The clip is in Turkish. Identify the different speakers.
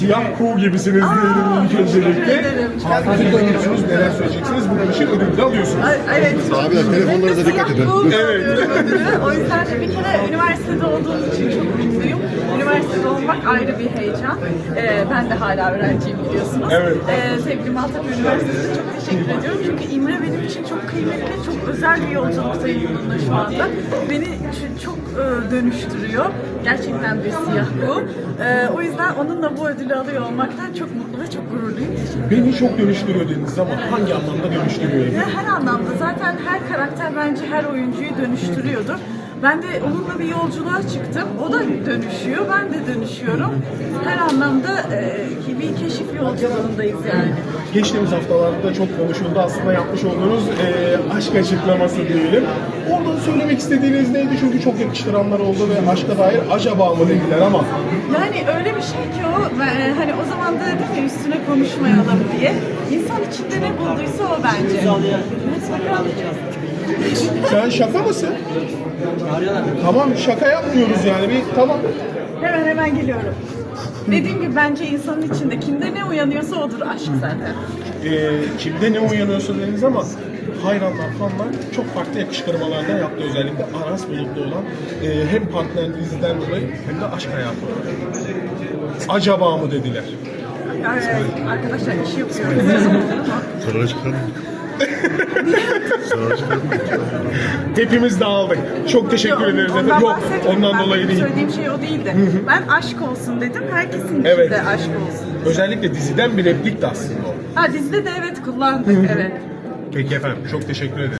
Speaker 1: Siyah kuğu gibisiniz diyelim ilk öncelikle. Harika görüyorsunuz, neler söyleyeceksiniz? Bunun için ödül de alıyorsunuz.
Speaker 2: Evet.
Speaker 3: Abiler telefonlarınıza dikkat edin.
Speaker 1: Evet.
Speaker 2: O yüzden de bir kere üniversitede olduğum için çok mutluyum. Üniversitede olmak ayrı bir heyecan. Ben de hala öğrenciyim biliyorsunuz.
Speaker 1: Evet.
Speaker 2: Sevgili Maltepe Üniversitesi'ne çok teşekkür ediyorum. Çünkü İmre benim için çok kıymetli, çok özel bir yolculuktayım bununla şu anda. Beni çok dönüştürüyor. Gerçekten bir siyah kuğu. O yüzden onunla bu ödülü alıyor olmaktan çok mutlu ve çok gururluyum.
Speaker 1: Beni çok dönüştürüyor dediniz ama hangi anlamda dönüştürüyor?
Speaker 2: Her anlamda zaten her karakter bence her oyuncuyu dönüştürüyordur. Ben de onunla bir yolculuğa çıktım. O da dönüşüyor, ben de dönüşüyorum. Her anlamda bir keşif yolculuğundayız yani.
Speaker 1: Geçtiğimiz haftalarda çok konuşuldu aslında yapmış olduğunuz aşk açıklaması diyelim. Oradan söylemek istediğiniz neydi? Çünkü çok yakıştıranlar oldu ve aşka dair acaba mı dediler ama.
Speaker 2: Yani öyle bir şey ki o, hani o zaman da dedim ya üstüne konuşmayalım diye. İnsan içinde ne bulduysa o bence.
Speaker 1: Sen şaka mısın? Tamam şaka yapmıyoruz yani bir tamam.
Speaker 2: Hemen geliyorum. Dediğim gibi bence insanın içinde kimde ne uyanıyorsa odur aşk zaten.
Speaker 1: Kimde ne uyanıyorsa dediniz ama hayranlar, fanlar çok farklı yakıştırmalardan yaptı özellikle Aras Bulut'ta olan hem partnerinizden dolayı hem de aşk hayatı. Acaba mı dediler?
Speaker 2: Yani, arkadaşlar işi yapıyorum.
Speaker 3: Sonra çıkalım. Sonra çıkalım.
Speaker 1: Hepimiz dağıldık. Çok teşekkür ederiz efendim. Yok ondan dolayı değil.
Speaker 2: Söylediğim şey o değildi. Ben aşk olsun dedim. Herkesin içinde
Speaker 1: Evet.
Speaker 2: aşk olsun.
Speaker 1: Özellikle diziden bir replik de aslında o.
Speaker 2: Ha dizide de evet kullandık evet.
Speaker 1: Peki efendim çok teşekkür ederim.